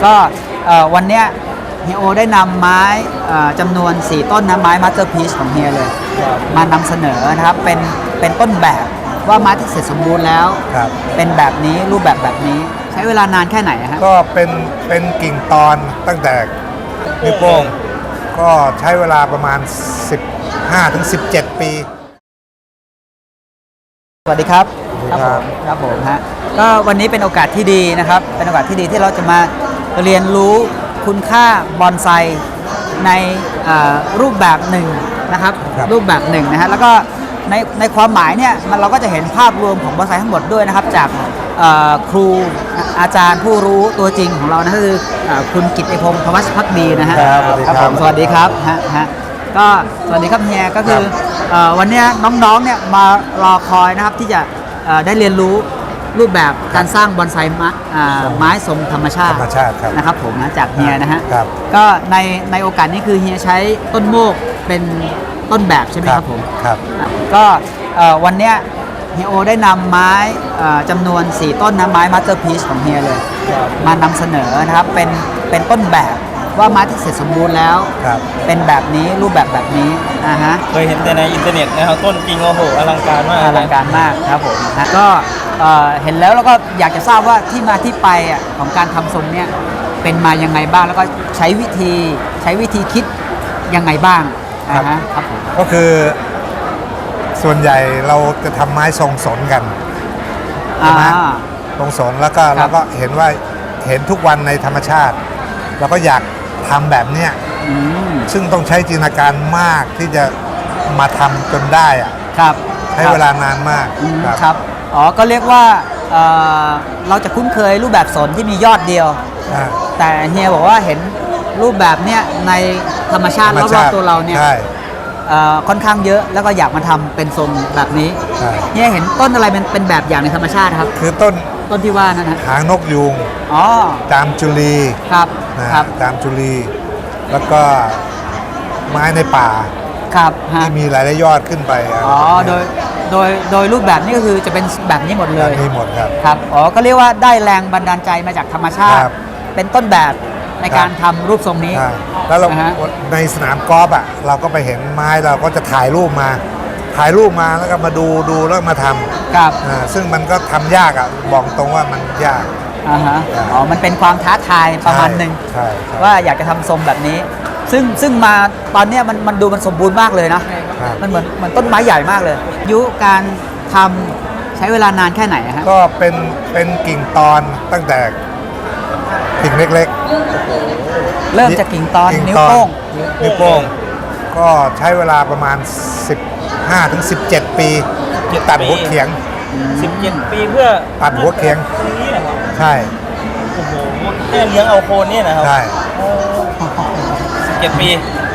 ก็วันเนี้ยเฮียโอได้นำไม้จำนวน4ต้นนะไม้มาสเตอร์พีซของเฮียเลยมานำเสนอนะครับเป็นต้นแบบว่าไม้ที่เสร็จสมบูรณ์แล้วเป็นแบบนี้รูปแบบนี้ใช้เวลานานแค่ไหนฮะก็เป็นกิ่งตอนตั้งแต่นิ้วโป้งก็ใช้เวลาประมาณ 15-17 ปีสวัสดีครับครับผมฮะก็วันนี้เป็นโอกาสที่ดีนะครับเป็นโอกาสที่ดีที่เราจะมาเรียนรู้คุณค่าบอนไซในรูปแบบหนึ่งนะครับรูปแบบหนึ่งนะฮะแล้วก็ในความหมายเนี่ยเราก็จะเห็นภาพรวมของบอนไซทั้งหมดด้วยนะครับจากครูอาจารย์ผู้รู้ตัวจริงของเรานะคือคุณกิตติพงศ์ ธวัชภักดีนะฮะครับผมสวัสดีครับฮะก็สวัสดีครับเฮียก็คือวันนี้น้องๆเนี่ยมารอคอยนะครับที่จะได้เรียนรู้รูปแบบการสร้างบอนไซไม้ทรงธรรมชาตินะครับผมนะจากเฮียนะฮะก็ในโอกาสนี้คือเฮียใช้ต้นโมกเป็นต้นแบบใช่ไหมครับผมครับก็วันเนี้ยเฮียโอได้นำไม้จำนวน4ต้นนะไม้มาสเตอร์พีซของเฮียเลยมานำเสนอนะครับเป็นต้นแบบว่าไม้ที่เสร็จสมบูรณ์แล้วเป็นแบบนี้รูปแบบนี้ฮะเคยเห็นแต่ในอินเทอร์เน็ตนะครับต้นจริงโอ้โหอลังการมากครับผมนะก็เห็นแล้วก็อยากจะทราบว่าที่มาที่ไปของการทำทรงเนี่ยเป็นมายังไงบ้างแล้วก็ใช้วิธีคิดยังไงบ้างครับผมก็คือส่วนใหญ่เราจะทำไม้ทรงสนกันใช่ไหมทรงสนแล้วก็เราก็เห็นทุกวันในธรรมชาติเราก็อยากทำแบบเนี้ยซึ่งต้องใช้จินตนาการมากที่จะมาทำจนได้ครับใช้เวลานานมากครับอ๋อก็เรียกว่าเราจะคุ้นเคยรูปแบบสนที่มียอดเดียวแต่เฮียบอกว่าเห็นรูปแบบเนี้ยในธรรมชาติรอบๆตัวเราเนี่ยค่อนข้างเยอะแล้วก็อยากมาทำเป็นทรงแบบนี้เนี่ยเห็นต้นอะไรเป็นแบบอย่างในธรรมชาติครับคือต้นที่ว่านั่นนะหางนกยูงจามจุลีครับจามจุลีแล้วก็ไม้ในป่าที่มีหลายยอดขึ้นไปโดยรูปแบบนี้ก็คือจะเป็นแบบนี้หมดเลยมีหมดครับก็เรียกว่าได้แรงบันดาลใจมาจากธรรมชาติเป็นต้นแบบในการทำรูปทรงนี้แล้วเราในสนามกอล์ฟเราก็ไปเห็นไม้เราก็จะถ่ายรูปมาแล้วก็มาดูแล้วมาทำครับซึ่งมันก็ทำยากบอกตรงว่ามันยากมันเป็นความท้าทายประมาณหนึ่งว่าอยากจะทำทรงแบบนี้ซึ่งมาตอนนี้มันดูมันสมบูรณ์มากเลยนะมันเหมือนต้นไม้ใหญ่มากเลยยุการทำใช้เวลานานแค่ไหนฮะก็เป็นกิ่งตอนตั้งแต่กิ่งเล็กๆเริ่มจากกิ่งตอนนิ้วโป้งก็ใช้เวลาประมาณ 15-17 ปีตัดหัวเขียง 17 ปีเพื่อตัดหัวเขียงใช่โอ้โหแค่เลี้ยงเอาโคนนี่นะครับใช่ 17 ปี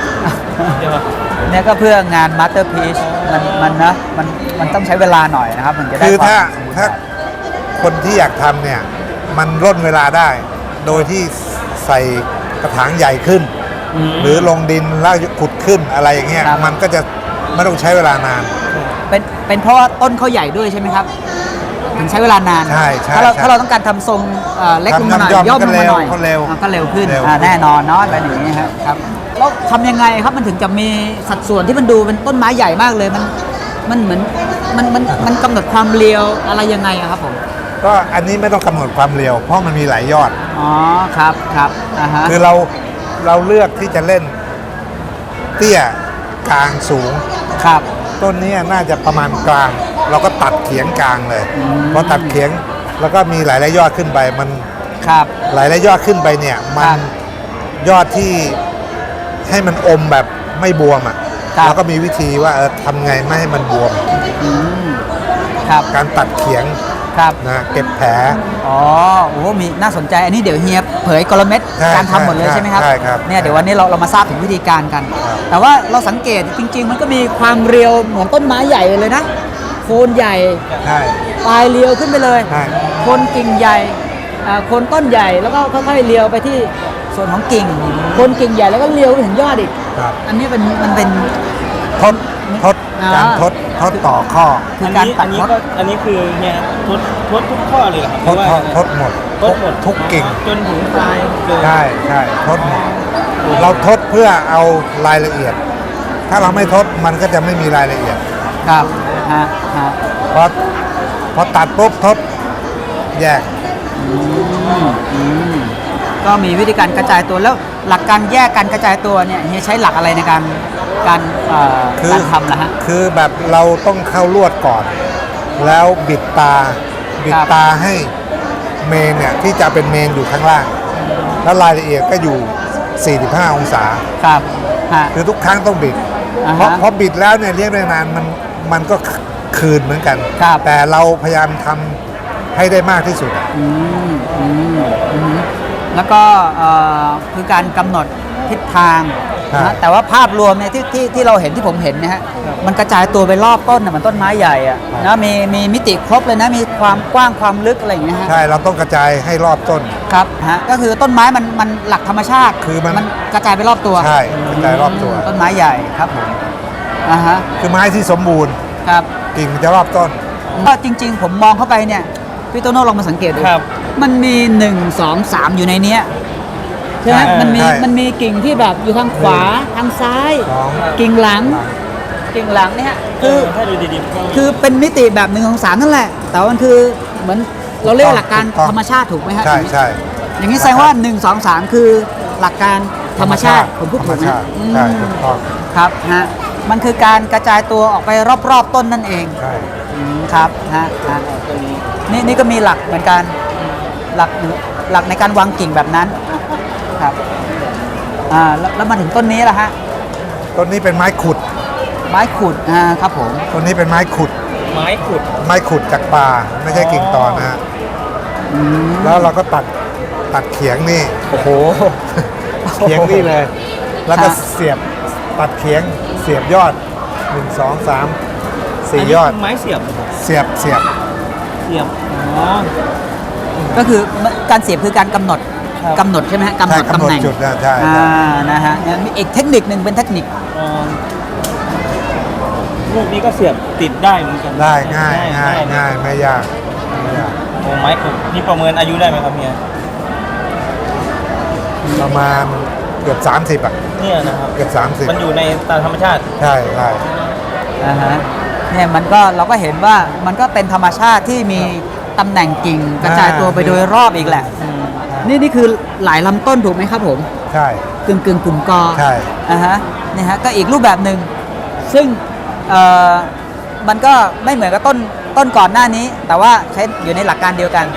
เนี่ยก็เพื่องานมาสเตอร์พีซมันต้องใช้เวลาหน่อยนะครับมันจะได้คือถ้าคนที่อยากทำเนี่ยมันร่นเวลาได้โดยที่ใส่กระถางใหญ่ขึ้นหรือลงดินแล้วขุดขึ้นอะไรอย่างเงี้ยมันก็จะไม่ต้องใช้เวลานานเป็นเพราะว่าต้นเขาใหญ่ด้วยใช่ไหมครับถึงใช้เวลานานใช่ถ้าเราต้องการทำทรงเล็กลงมาหน่อยย่อมลงมาหน่อยก็เร็วขึ้นแน่นอนเนาะอะไรอย่างนี้ครับแล้วทำยังไงครับมันถึงจะมีสัดส่วนที่มันดูเป็นต้นไม้ใหญ่มากเลยมันเหมือนมันกำหนดความเรียวอะไรยังไงครับผมก็อันนี้ไม่ต้องกำหนดความเร็วเพราะมันมีหลายยอดครับคือเราเลือกที่จะเล่นเตี้ยกลางสูงต้นนี้น่าจะประมาณกลางเราก็ตัดเขียงกลางเลยพอตัดเขียงแล้วก็มีหลายยอดขึ้นไปมันหลายยอดขึ้นไปเนี่ยมันยอดที่ให้มันอมแบบไม่บวมแล้วก็มีวิธีว่าทำไงไม่ให้มันบวมการตัดเขียงนะเก็บแผลมีน่าสนใจอันนี้เดี๋ยวเฮียเผยกลเม็ดการทำหมดเลยใช่ไหมครับเนี่ยเดี๋ยววันนี้เรามาทราบถึงวิธีการกันแต่ว่าเราสังเกตจริงๆมันก็มีความเรียวเหมือนต้นไม้ใหญ่เลยนะโคนใหญ่ปลายเรียวขึ้นไปเลยโคนกิ่งใหญ่โคนต้นใหญ่แล้วก็ค่อยๆเรียวไปที่ส่วนของกิ่งโคนกิ่งใหญ่แล้วก็เรียวไปถึงยอดอีกอันนี้มันเป็นทดการทดต่อข้อคือการตัดมดอันนี้คือเนี่ยทดทุกข้อเลยเหรอครับทดหมดทดหมดทุกกิ่งจนถึงปลายเลยใช่ใช่ทดหมดเราทดเพื่อเอารายละเอียด ถ้าเราไม่ทดมันก็จะไม่มีรายละเอียดครับฮะฮะพอตัดปุ๊บทดแยกก็มีวิธีการกระจายตัวแล้วหลักการแยกการกระจายตัวเนี่ยเฮียใช้หลักอะไรในการการทำนะฮะคือแบบเราต้องเข้าลวดก่อน แล้วบิดตาให้เมนเนี่ยที่จะเป็นเมนอยู่ข้างล่าง แล้วรายละเอียดก็อยู่ 45 องศาครับฮะคือทุกครั้งต้องบิดอ่าฮะเพราะบิดแล้วเนี่ยเลี้ยงได้นานมันก็คืนเหมือนกันครับแต่เราพยายามทำให้ได้มากที่สุดอะแล้วก็คือการกำหนดทิศทางนะแต่ว่าภาพรวมเนี่ยที่เราเห็นที่ผมเห็นนะฮะมันกระจายตัวไปรอบต้นน่ะเหมือนต้นไม้ใหญ่อะนะมีมิติครบเลยนะมีความกว้างความลึกอะไรอย่างเงี้ยฮะใช่เราต้องกระจายให้รอบต้นครับฮะก็คือต้นไม้มันหลักธรรมชาติคือมันกระจายไปรอบตัวใช่กระจายรอบตัวต้นไม้ใหญ่ครับผมฮะคือไม้ที่สมบูรณ์ครับกิ่งมันจะรอบต้นก็จริง ๆ ผมมองเข้าไปเนี่ยพี่โตโน่ลองมาสังเกตดูครับมันมี 1 2 3 อยู่ในเนี้ยใช่ไหมใช่มันมีใช่มันมีกิ่งที่แบบอยู่ทางขวาทางซ้ายสองกิ่งหลังกิ่งหลังเนี่ยคือถ้าดูดีๆก็คือเป็นมิติแบบ1 2 3นั่นแหละ แต่ว่ามันคือเหมือนเราเรียกหลักการธรรมชาติถูกไหมฮะใช่ใช่อย่างนี้แสดงว่า 1 2 3 คือหลักการธรรมชาติผมพูดถูกไหมธรรมชาติใช่ถูกต้องครับฮะมันคือการกระจายตัวออกไปรอบๆต้นนั่นเองใช่ครับฮะนี่ก็มีหลักเหมือนกันหลักในการวางกิ่งแบบนั้นครับแล้วมาถึงต้นนี้ล่ะฮะต้นนี้เป็นไม้ขุดไม้ขุดครับผมต้นนี้เป็นไม้ขุดไม้ขุดไม้ขุดจากป่าไม่ใช่กิ่งตอนนะฮะแล้วเราก็ตัดเขียงนี่โอ้โหเขียงนี่เลย แล้วก็ครับเสียบตัดเขียงเสียบยอด 1 2 3 4 ยอดนนี้คืไม้เสียบเสียบเสียบอ๋อก็คือการเสียบคือการกำหนดครับกำหนดใช่ไหมฮะกำหนดใช่ตำแหน่งกำหนดจุดนะใช่ใช่นะฮะมีอีกเทคนิคหนึ่งเป็นเทคนิคอ๋อลูกนี้ก็เสียบติดได้เหมือนกันได้ง่ายไม่ยากไม่ยากโอ้ไม้ขุดนี่ประเมินอายุได้ไหมครับเฮียประมาณเกือบ30อ่ะเนี่ยนะครับเกือบมันอยู่ในตามธรรมชาติ 30ใช่ใช่เนี่ยมันก็เราก็เห็นว่ามันก็เป็นธรรมชาติที่มีตำแหน่งกิ่งกระจายตัวไปโดยรอบอีกแหละนี่คือหลายลำต้นถูกไหมครับผมใช่กึ่งกลุ่มกอใช่นี่ฮะก็อีกรูปแบบหนึ่งซึ่งมันก็ไม่เหมือนกับต้นก่อนหน้านี้ แต่ว่าใช้อยู่ในหลักการเดียวกัน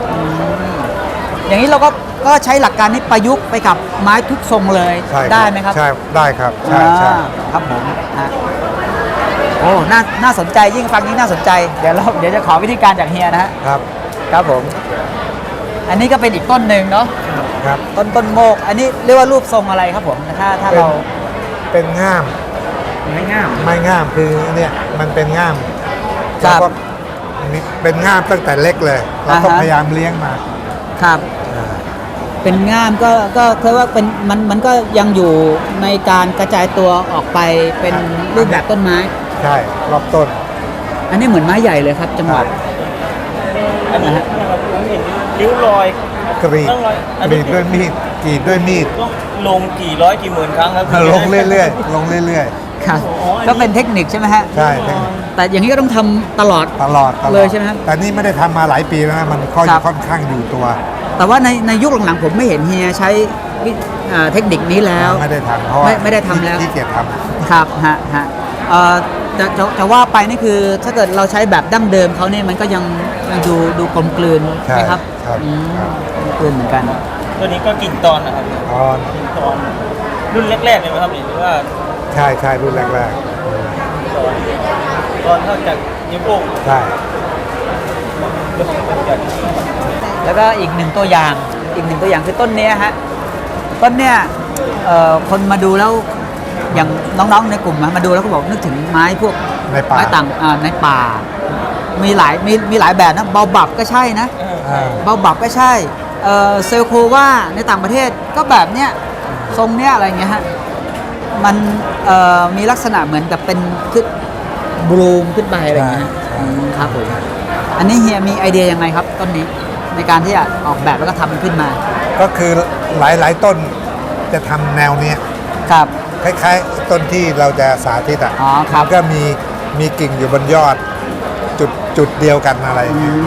อย่างนี้เราก็ใช้หลักการนี้ประยุกต์ไปกับไม้ทุกทรงเลยใช่ได้ไหมครับใช่ได้ครับใช่ใช่ครับผมโอ้น่าสนใจยิ่งฟังยิ่งน่าสนใจเดี๋ยวจะขอวิธีการจากเฮียนะฮะครับครับผม อันนี้ก็เป็นอีกต้นหนึ่งเนาะครับต้นโมก อันนี้เรียกว่ารูปทรงอะไรครับผมถ้าเราเป็นง่ามไม่ง่ามไม้ง่ามคือเนี่ยมันเป็นง่ามครัเราบก็มีเป็นง่ามตั้งแต่เล็กเลยเราก็อ่าฮะพยายามเลี้ยงมาครับอ่าเป็นง่ามก็เรียกว่าเป็นมันก็ยังอยู่ในการกระจายตัวออกไปเป็นรูปแบบต้นไม้ใช่รอบต้นอันนี้เหมือนไม้ใหญ่เลยครับ จังหวะอันนี้นะครับผมเห็นริ้วรอยกรีดต้องรอยอันกรีนี้ดด้วยมีดกรีดด้วยมีดต้องลงกี่ร้อยกี่หมื่นครั้งครับลงเรื่อยๆลงเรื่อยครับ ก็เป็นเทคนิคใช่ไหมฮะๆใช่แต่อย่างนี้ก็ต้องทำตลอดตลอดเลยใช่ไหมครับแต่นี่ไม่ได้ทำมาหลายปีแล้วนะมันค่อยครับค่อนข้างอยู่ตัวแต่ว่าในยุคหลังๆผมไม่เห็นเฮียใช้เทคนิคนี้แล้วไม่ได้ทำเพราะว่าไม่ได้ทำแล้วขี้เกียจทครับฮะจะว่าไปนี่คือถ้าเกิดเราใช้แบบดั้งเดิมเขาเนี่ยมันก็ยังดูกลมกลืนำใช่ไหมครับครับกลมกลืนเหมือนกันตัวนี้ก็กิ่งตอนนะครับตอนกิ่งตอนรุ่นแรกๆเลยไหมครับหรือว่าใช่ใช่รุ่นแรกตอนเท่าจากนิ้วโป้งๆใช่แล้วก็อีกหนึ่งตัวอย่างคือต้นเนี้ยฮะต้นเนี้ยคนมาดูแล้วอย่างน้องๆในกลุ่มมาดูแล้วก็บอกนึกถึงไม้พวกในป่าไม้ต่างในป่า มีหลายแบบนะเบาบับก็ใช่นะอ่าเบาบับก็ใช่เซลโคว่าในต่างประเทศก็แบบเนี้ยทรงเนี้ยอะไรเงี้ยฮะมันมีลักษณะเหมือนกับเป็นบลูมขึ้นไปอะไรอย่างเงี้ยใช่ครับผมอันนี้เฮียมีไอเดียยังไงครับต้นนี้ในการที่จะออกแบบแล้วก็ทำมันขึ้นมาก็คือหลายๆต้นจะทำแนวเนี้ยครับคล้ายๆต้นที่เราจะสาธิตอ่ะอ๋อครับมันก็มีกิ่งอยู่บนยอดจุดเดียวกันอะไรอย่างเงี้ย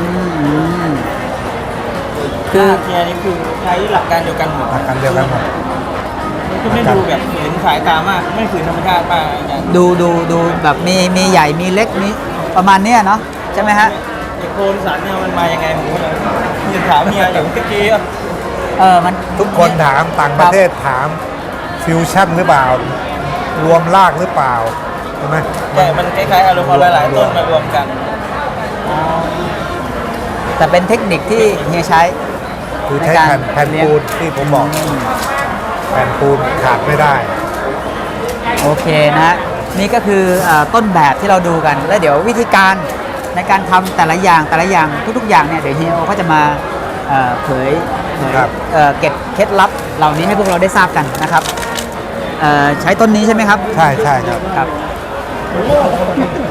คือเทียนี่คือใช้หลักการเดียวกันหมดหลักการเดียวกันหมดมันก็ไม่ดูแบบฝืนสายตามาก ไม่ฝืนธรรมชาติมากอาจารย์ดูแบบมีใหญ่มีเล็กมีประมาณเนี้ยเนาะใช่ไหมฮะไอ้โคนสันเนี่ยมันมายังไงผมก็เลยมีถามเมียอย่างเมื่อกี้อะมันทุกคนถามต่างประเทศถามฟิวชั่นหรือเปล่า รวมรากหรือเปล่าใช่ไหมแต่มันคล้ายๆอารมณ์เอาหลายๆต้นมารวมกันแต่เป็นเทคนิคที่เฮียใช้คือใช้แผ่นปูนที่ผมบอก แผ่นปูนขาดไม่ได้โอเคนะฮะนี่ก็คือต้นแบบที่เราดูกัน แล้วเดี๋ยววิธีการในการทำแต่ละอย่างทุกๆอย่างเนี่ยเดี๋ยวเฮียก็จะมาเผยครับเก็บเคล็ดลับเหล่านี้ให้พวกเราได้ทราบกันนะครับใช้ต้นนี้ใช่ไหมครับใช่ครับครับ